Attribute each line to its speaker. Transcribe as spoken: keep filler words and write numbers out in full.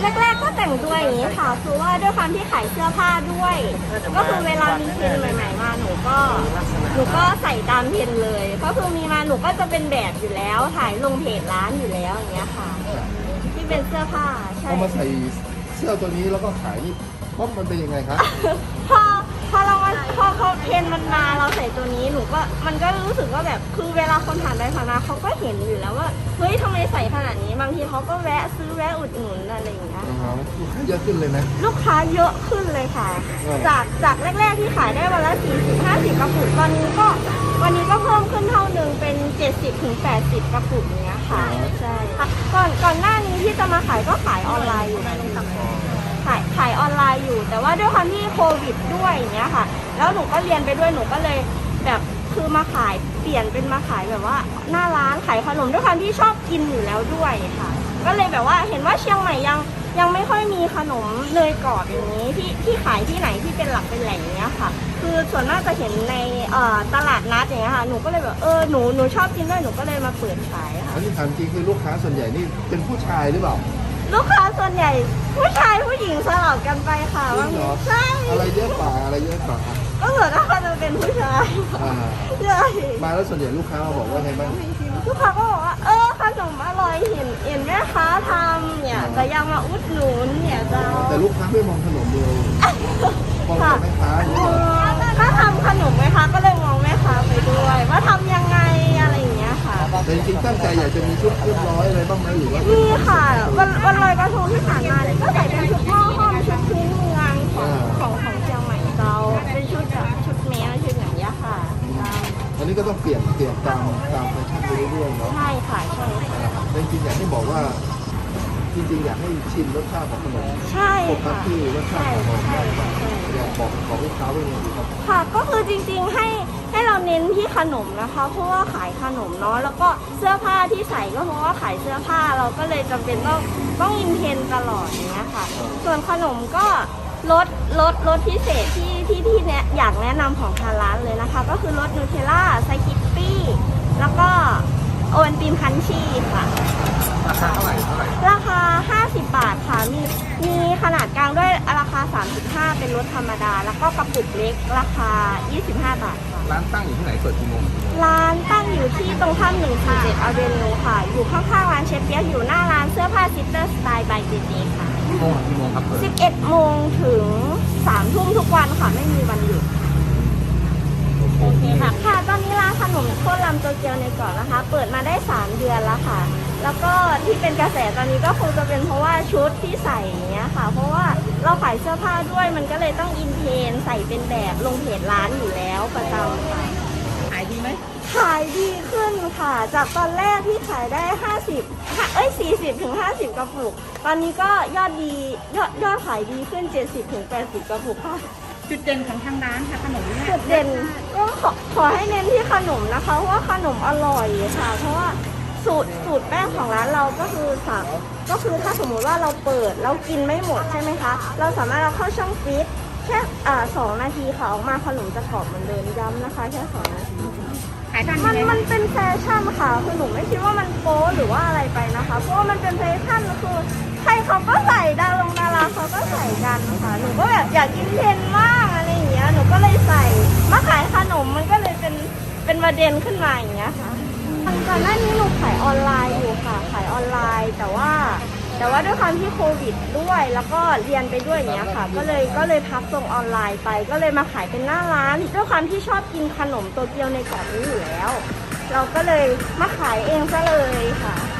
Speaker 1: แรกๆก็แต่งตัวอย่างนี้ค่ะคือว่าด้วยความที่ขายเสื้อผ้าด้วย ก็คือเวลามีเทรนด์ใหม่ๆมาหนูก็หนูก็ใส่ตามเทรนด์เลย ก็คือมีมาหนูก็จะเป็นแบบอยู่แล้วถ่ายลงเพจร้านอยู่แล้วอย่างเงี้ยค่ะที่เป็นเสื้อผ้าใช่
Speaker 2: พอมาใส่เสื้อตัวนี้แล้วก็ขายนี่เพราะมันเป็นยังไงครับ
Speaker 1: พอพอเรามาพอพอเทรนด์มันมาเราใส่ตัวนี้หนูก็มันก็รู้สึกว่าแบบคือเวลาคนผ่านไปผ่านมาเขาก็เห็นอยู่แล้วว่าเฮ้ยทำไมใส่ขนาดนี้บางทีเขาก็แวะซื้อแวะอุดหนุนอะไรอย่างเงี้ย
Speaker 2: ลูกค้าเยอะขึ้นเลยนะ
Speaker 1: ลูกค้าเยอะขึ้นเลยค่ะ
Speaker 2: อืม
Speaker 1: จากจากแรกๆที่ขายได้วันละสี่สิบห้าสิบกระปุกตอนนี้ก็วันนี้ก็เพิ่มขึ้นเท่าหนึ่งเป็นเจ็ดสิบถึงแปดสิบกระปุกเนี้ยค่ะใช่ค่ะก่อนก่อนหน้านี้ที่จะมาขายก็ขายออนไลน์อยู่ขายขายออนไลน์อยู่ แต่ว่าด้วยความที่โควิดด้วยอย่างเงี้ยค่ะแล้วหนูก็เรียนไปด้วยหนูก็เลยแบบคือมาขายเปลี่ยนเป็นมาขายแบบว่าหน้าร้านขายขนมด้วยความที่ชอบกินอยู่แล้วด้วยค่ะก็เลยแบบว่าเห็นว่าเชียงใหม่ยังยังไม่ค่อยมีขนมเนยกรอบอย่างนี้ที่ที่ขายที่ไหนที่เป็นหลักเป็นแหล่งเนี้ยค่ะคือส่วนมากจะเห็นในเอ่อตลาดนัดอย่างเงี้ยค่ะหนูก็เลยแบบเออหนูหนูชอบกินด้วยหนูก็เลยมาเปิดขายค่ะ
Speaker 2: อันนี้ถามจริงคือลูกค้าส่วนใหญ่นี่เป็นผู้ชายหรือเปล่า
Speaker 1: ลูกค้าส่วนใหญ่ผู้ชายผู้หญิงสลับกันไปค่ะ
Speaker 2: จริ
Speaker 1: บาง
Speaker 2: งเหร
Speaker 1: ที
Speaker 2: อ
Speaker 1: ใช่
Speaker 2: อะไรเยอะกว่าอะไรเยอะกว่า
Speaker 1: ก็ส่วนมากจะเป็นผู้ชาย
Speaker 2: อ่า
Speaker 1: ใช่
Speaker 2: มาแล้วส่วนใหญ่ลูกค้ามาบอกว่าไงบ้าง
Speaker 1: ลูกค้าก็บอกว่าเออขนมอร่อยเห็นเห็นแม่ค้าทำเนี่ยแต่ยังมาอุดหนุนเนี่ยเจ้า
Speaker 2: แต่ลูกค้าไม่มองขนมเลยมองแต่แม่ค้าอย่าง
Speaker 1: เอ
Speaker 2: นี้เหรอ
Speaker 1: อถ้าทำขนมไหมคะก็เลยมองแม่ค้าไปด้วย ว่าทำยังไงอะไรอย่างเงี้ยค่ะ
Speaker 2: แต่จริงๆตั้งใจอยากจะมีชุดเรียบร้อยอะไรบ้างไหมหรือว่า
Speaker 1: มีค่ะวันวันลอยกระทงที่ผ่านมาเนี่ยก็ใส่เป็นชุดหม้อห้อมชุดพื้นเมืองของของของเชียงใหม่เจ้าเป็นชุดแบบชุดแมวชุดอย่างเงี้ยค่ะเจ้า
Speaker 2: อันนี้ก็ต้องเปลี่ยนเปลี่ยนตามตามแฟชั่นไปเรื่อยๆเนาะ
Speaker 1: ใช่ค่ะใช่ค่ะ
Speaker 2: แต่จริงๆอยากให้บอกว่า จริงๆอยากให้ชิมรสชาติของขนม
Speaker 1: ใช่
Speaker 2: ปก
Speaker 1: ค่ะ
Speaker 2: ติรสชา
Speaker 1: ใช่
Speaker 2: ติของขนม
Speaker 1: ใช่ค่ะใช่
Speaker 2: อยากบอกบอกลูกค้าไว้ยังไงดีครับ
Speaker 1: ค่ะก็คือจริงๆให้ให้เราเน้นที่ขนมนะคะเพราะว่าขายขนมเนาะแล้วก็เสื้อผ้าที่ใส่ก็เพราะว่าขายเสื้อผ้าเราก็เลยจำเป็นต้องต้องอินเทรนด์ตลอดอย่างเงี้ยค่ะ ส่วนขนมก็ลดลดลดพิเศษที่ที่ที่เนี้ยอยากแนะนำของทางร้านเลยนะคะ ก็คือลดนูเทลล่าไซคิปปี้แล้วก็โอวัลตินคันชีค่ะ
Speaker 2: ราคาเท่าไหร่เท่าไหร่
Speaker 1: ราคา ห้าสิบบาทค่ะ มีมีขนาดกลางด้วยราคา สามสิบห้า เป็นรถธรรมดา แล้วก็กระปุกเล็กราคา ยี่สิบห้า บาทค่ะ
Speaker 2: ร้านตั้งอยู่ที่ไหนเปิดกี่โมง
Speaker 1: ร้านตั้งอยู่ที่ตรงข้ามหนึ่งสี่เจ็ดอเวนิวค่ะ อยู่ข้างๆร้านเชฟเปียกอยู่หน้าร้านเสื้อผ้าซิสเตอร์สไตล์บายเจเจค่ะ
Speaker 2: กี่โมงกี่โมงครับเปิด
Speaker 1: สิบเอ็ดโมงถึงสามทุ่มทุกวันค่ะ ไม่มีวันหยุด โอเคค่ะ ค่ะ ตอนนี้ร้านขนมโคตรลำโตเกียวในเกาะนะคะ เปิดมาได้สามเดือนแล้วค่ะ แล้วก็ที่เป็นกระแสตอนนี้ก็คงจะเป็นเพราะว่าชุดที่ใส่อย่างเงี้ยค่ะ เพราะว่าเราขายเสื้อผ้าด้วยมันก็เลยต้องอินเทรนด์ใส่เป็นแบบลงเพจร้านอยู่แล้วประจำค่ะ
Speaker 3: ขายดีไหม
Speaker 1: ขายดีขึ้นค่ะ จากตอนแรกที่ขายได้ห้าสิบเอ้ยสี่สิบถึงห้าสิบกระปุก ตอนนี้ก็ยอดดียอดยอดขายดีขึ้นเจ็ดสิบถึงแปดสิบกระปุกค่ะ
Speaker 3: จุดเด่นของทางร้านค่ะขนมเนี่ย
Speaker 1: จุดเด่นก็ขอขอให้เน้นที่ขนมนะคะ เพราะว่าขนมอร่อยค่ะ เพราะว่าสูตรสูตรแป้งของร้านเราก็คือสามก็คือถ้าสมมุติว่าเราเปิดเรากินไม่หมดใช่ไหมคะ เราสามารถเราเข้าช่องฟรีซแค่อ่าสองนาทีค่ะออกมาขนมจะกรอบเหมือนเดิมย้ำนะคะแค่สองนาที
Speaker 3: ขายทัน
Speaker 1: มัน
Speaker 3: ไหม
Speaker 1: มันเป็นแฟชั่นค่ะคือหนูไม่คิดว่ามันโป๊หรือว่าอะไรไปนะคะ เพราะว่ามันเป็นแฟชั่นคือใครเขาก็ใส่ดารงดาราเขาก็ใส่กันนะคะหนูก็แบบอยากกินเทรนด์มากอะไรอย่างเงี้ยหนูก็เลยใส่มาขายขนมมันก็เลยเป็นเป็นประเด็นขึ้นมาอย่างเงี้ยค่ะก่อนหน้านี้หนูขายออนไลน์อยู่ค่ะขายออนไลน์แต่ว่า แต่ว่าด้วยความที่โควิดด้วยแล้วก็เรียนไปด้วยอย่างเงี้ยค่ะ ก็เลยก็เลยพักส่งออนไลน์ไป ก็เลยมาขายเป็นหน้าร้านด้วยความที่ชอบกินขนมโตเกียวในกรอบนี้อยู่แล้ว เราก็เลยมาขายเองซะเลยค่ะ